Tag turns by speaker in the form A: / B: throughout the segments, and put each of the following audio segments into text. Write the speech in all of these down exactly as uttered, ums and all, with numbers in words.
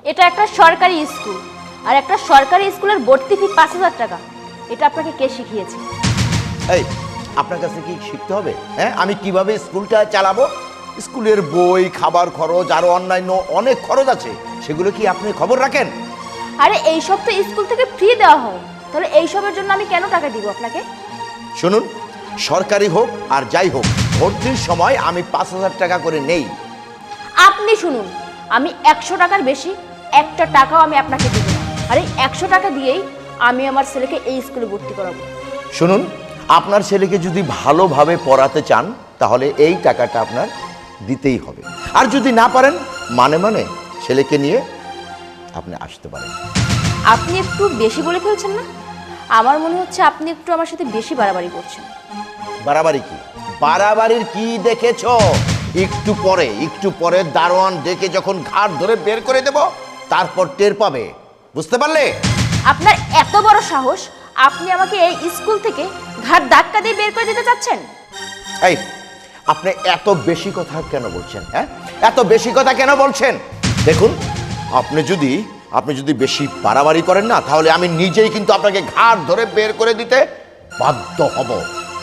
A: এটা একটা সরকারি স্কুল, আর একটা সরকারি স্কুলের ভর্তি ফি পাঁচ হাজার টাকা। এটা আপনাকে কে শিখিয়েছে?
B: এই আপনার কাছে কি শিখতে হবে? হ্যাঁ, আমি কিভাবে স্কুলটা চালাবো? স্কুলের বই, খাবার খরচ, আরো অন্যান্য অনেক খরচ আছে, সেগুলো কি আপনি খবর রাখেন?
A: আরে এইসব তো স্কুল থেকে ফ্রি দেওয়া হয়, তাহলে এইসবের জন্য আমি কেন টাকা দিব আপনাকে?
B: শুনুন, সরকারি হোক আর যাই হোক, ভর্তির সময় আমি পাঁচ হাজার টাকা করে নেই।
A: আপনি শুনুন, আমি একশো টাকার বেশি একটা টাকাও আমি আপনাকে দেব না। আর এই একশো টাকা দিয়েই আমি আমার ছেলেকে এই স্কুলে ভর্তি করাবো।
B: শুনুন, আপনার ছেলেকে যদি ভালোভাবে পড়াতে চান তাহলে এই টাকাটা আপনার দিতেই হবে, আর যদি না পারেন মানে মানে ছেলেকে নিয়ে আপনি আসতে পারেন।
A: আপনি একটু বেশি বলে ফেলছেন না? আমার মনে হচ্ছে আপনি একটু আমার সাথে বেশি বাড়াবাড়ি করছেন।
B: বাড়াবাড়ি কি? বাড়াবাড়ির কি দেখেছো? একটু পরে একটু পরে দারোয়ান ডেকে যখন ঘাট ধরে বের করে দেব, তারপর টের পাবে। বুঝতে পারলে?
A: আপনার এত বড় সাহস, আপনি আমাকে এই স্কুল থেকে ঘাট ধাক্কা দিয়ে বের করে দিতে চাচ্ছেন?
B: এই, আপনি এত বেশি কথা কেন বলছেন? হ্যাঁ, এত বেশি কথা কেন বলছেন? দেখুন, আপনি যদি আপনি যদি বেশি বাড়াবাড়ি করেন না, তাহলে আমি নিজেই কিন্তু আপনাকে ঘাট ধরে বের করে দিতে বাধ্য হব।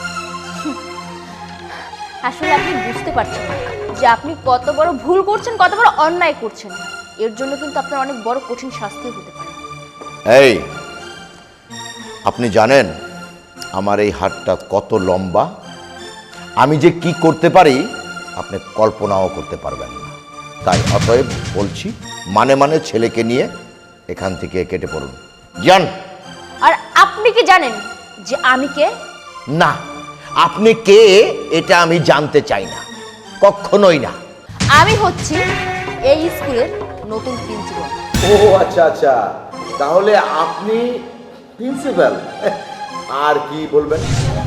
A: আসলে আপনি বুঝতে পারছেন না যে আপনি কত বড় ভুল করছেন, কত বড় অন্যায় করছেন। এর জন্য কিন্তু আপনার অনেক বড় কঠিন শাস্তিও হতে পারে।
B: এই, আপনি জানেন আমার এই হাতটা কত লম্বা? আমি যে কি করতে পারি আপনি কল্পনাও করতে পারবেন না। তাই অতএব বলছি, মানে মানে ছেলেকে নিয়ে এখান থেকে কেটে পড়ুন, যান।
A: আর আপনি কি জানেন যে আমি কে?
B: না, আপনি কে এটা আমি জানতে চাই না, কখনোই না।
A: আমি হচ্ছি এই স্কুলের নতুন প্রিন্সিপাল।
B: ও আচ্ছা আচ্ছা, তাহলে আপনি প্রিন্সিপাল। আর কি বলবেন?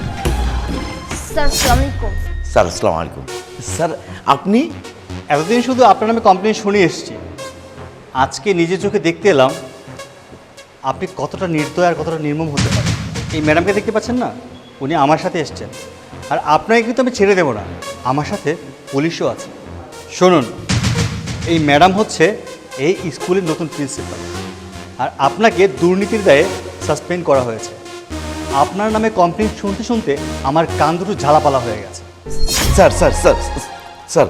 A: স্যার আসসালামু আলাইকুম।
B: স্যার আসসালামু আলাইকুম। স্যার আপনি?
C: এতদিন শুধু আপনার নামে কমপ্লেন শুনে এসেছি, আজকে নিজের চোখে দেখতে এলাম আপনি কতটা নির্দয় আর কতটা নির্মম হতে পারেন। এই ম্যাডামকে দেখতে পাচ্ছেন না, উনি আমার সাথে এসছেন, আর আপনাকে কিন্তু আমি ছেড়ে দেবো না, আমার সাথে পুলিশও আছে। শুনুন, এই ম্যাডাম হচ্ছে এই স্কুলের নতুন প্রিন্সিপাল, আর আপনাকে দুর্নীতির দায়ে সাসপেন্ড করা হয়েছে। আপনার নামে কমপ্লেন শুনতে শুনতে আমার কান দুটো ঝালাপালা হয়ে গেছে।
B: স্যার স্যার স্যার স্যার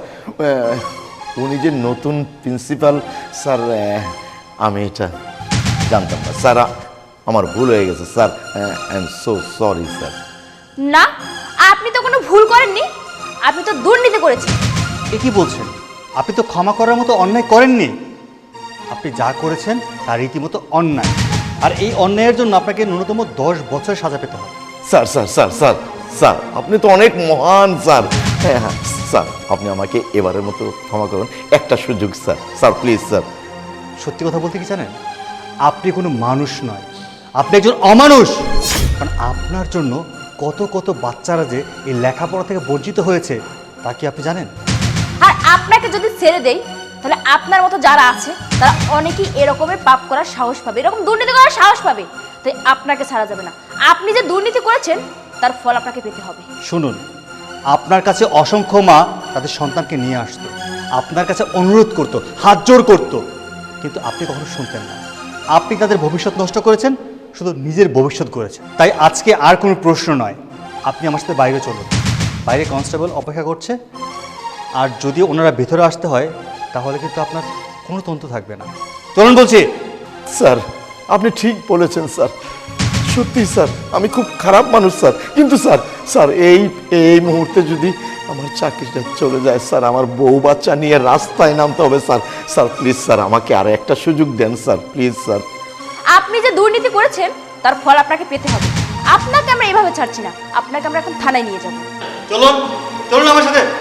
B: উনি যে নতুন প্রিন্সিপাল, স্যার আমি এটা জানতাম না স্যার, আমার ভুল হয়ে গেছে sir, I am so sorry sir.
A: না, আপনি তো কোনো ভুল করেননি, আপনি তো দুর্নীতি করেছেন।
C: এ কি বলছেন? আপনি তো ক্ষমা করার মতো অন্যায় করেননি। আপনি যা করেছেন তার রীতিমতো অন্যায়, আর এই অন্যায়ের জন্য আপনাকে ন্যূনতম দশ বছর সাজা পেতে হবে।
B: Sir sir sir sir sir আপনি তো অনেক মহান স্যার। হ্যাঁ হ্যাঁ স্যার, আপনি আমাকে এবারের মতো ক্ষমা করুন, একটা সুযোগ স্যার, স্যার প্লিজ স্যার।
C: সত্যি কথা বলতে কি জানেন, আপনি কোনো মানুষ নয়, আপনি একজন অমানুষ। কারণ আপনার জন্য কত কত বাচ্চারা যে এই লেখাপড়া থেকে বঞ্চিত হয়েছে তা কি আপনি জানেন?
A: আর আপনাকে যদি ছেড়ে দেই, তাহলে আপনার মতো যারা আছে তারা অনেকেই এরকমের পাপ করার সাহস পাবে, এরকম দুর্নীতি করার সাহস পাবে। তাই আপনাকে ছাড়া যাবে না। আপনি যে দুর্নীতি করেছেন তার ফল আপনাকে পেতে হবে।
C: শুনুন, আপনার কাছে অসংখ্য মা তাদের সন্তানকে নিয়ে আসতো, আপনার কাছে অনুরোধ করতো, হাত জোড় করতো, কিন্তু আপনি কখনো শুনতেন না। আপনি তাদের ভবিষ্যৎ নষ্ট করেছেন, শুধু নিজের ভবিষ্যৎ করেছেন। তাই আজকে আর কোনো প্রশ্ন নয়, আপনি আমার সাথে বাইরে চলুন, বাইরে কনস্টেবল অপেক্ষা করছে। আর যদি ওনারা ভেতরে আসতে হয় তাহলে কিন্তু আপনার কোনো তন্তু থাকবে না। চলুন বলছি।
B: স্যার আপনি ঠিক বলেছেন স্যার, সত্যি স্যার আমি খুব খারাপ মানুষ স্যার, কিন্তু স্যার স্যার এই এই মুহূর্তে যদি আমার চাকরিটা চলে যায় স্যার, আমার বউ বাচ্চা নিয়ে রাস্তায় নামতে হবে স্যার। স্যার প্লিজ স্যার, আমাকে আর একটা সুযোগ দেন স্যার, প্লিজ স্যার।
A: আপনি যে দুর্নীতি করেছেন তার ফল আপনাকে পেতে হবে। আপনাকে আমরা এভাবে ছাড়ছি না, আপনাকে আমরা এখন থানায় নিয়ে যাব।
C: চলুন, চলুন আমার সাথে।